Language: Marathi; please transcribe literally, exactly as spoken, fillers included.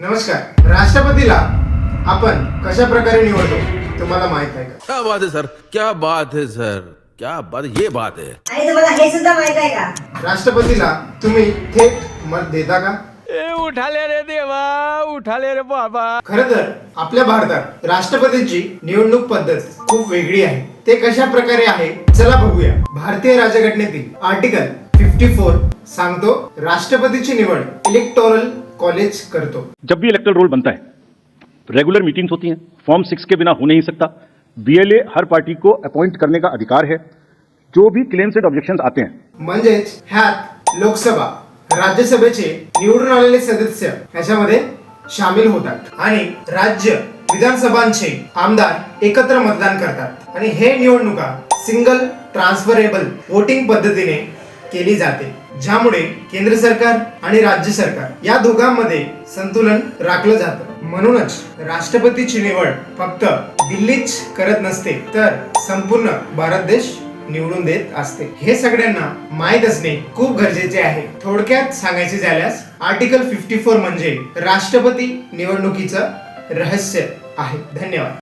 नमस्कार. राष्ट्रपतीला आपण कशा प्रकारे निवडतो तुम्हाला माहित आहे का? क्या बात है सर, क्या बात है सर, क्या बात, ये बात है. आणि तुम्हाला हे सुद्धा माहित आहे का? राष्ट्रपतीला तुम्ही थेट मत देता का? ए उठाले रे देवा, उठाले रे बाबा. खरं तर आपल्या भारतात राष्ट्रपतीची निवडणूक पद्धत खूप वेगळी आहे. ते कशा प्रकारे आहे चला बघूया. भारतीय राज्यघटनेतील आर्टिकल चौपन्न सांगतो राष्ट्रपतीची निवड इलेक्टोरल कॉलेज करतो. जब भी इलेक्टोरल रोल बनता है, रेगुलर मीटिंग्स होती हैं, फॉर्म सिक्स के बिना हो नहीं सकता. बीएलए हर पार्टी को अपॉइंट करने का अधिकार है. जो भी क्लेम्स एंड ऑब्जेक्शंस आते हैं, म्हणजेच ह्यात लोकसभा, राज्यसभेचे निवडून आलेले सदस्य ह्याच्यामध्ये सामील होतात आणि राज्य विधानसभांचे आमदार एकत्र मतदान करतात आणि हे निवडणुका सिंगल ट्रान्सफरेबल वोटिंग पद्धतीने केली जाते, ज्यामुळे केंद्र सरकार आणि राज्य सरकार या दोघांमध्ये संतुलन राखलं जातं. म्हणूनच राष्ट्रपतीची निवड फक्त दिल्लीच करत नसते, तर संपूर्ण भारत देश निवडून देत असते. हे सगळ्यांना माहीत असणे खूप गरजेचे आहे. थोडक्यात सांगायचे झाल्यास आर्टिकल चौपन्न म्हणजे राष्ट्रपती निवडणुकीचं रहस्य आहे. धन्यवाद.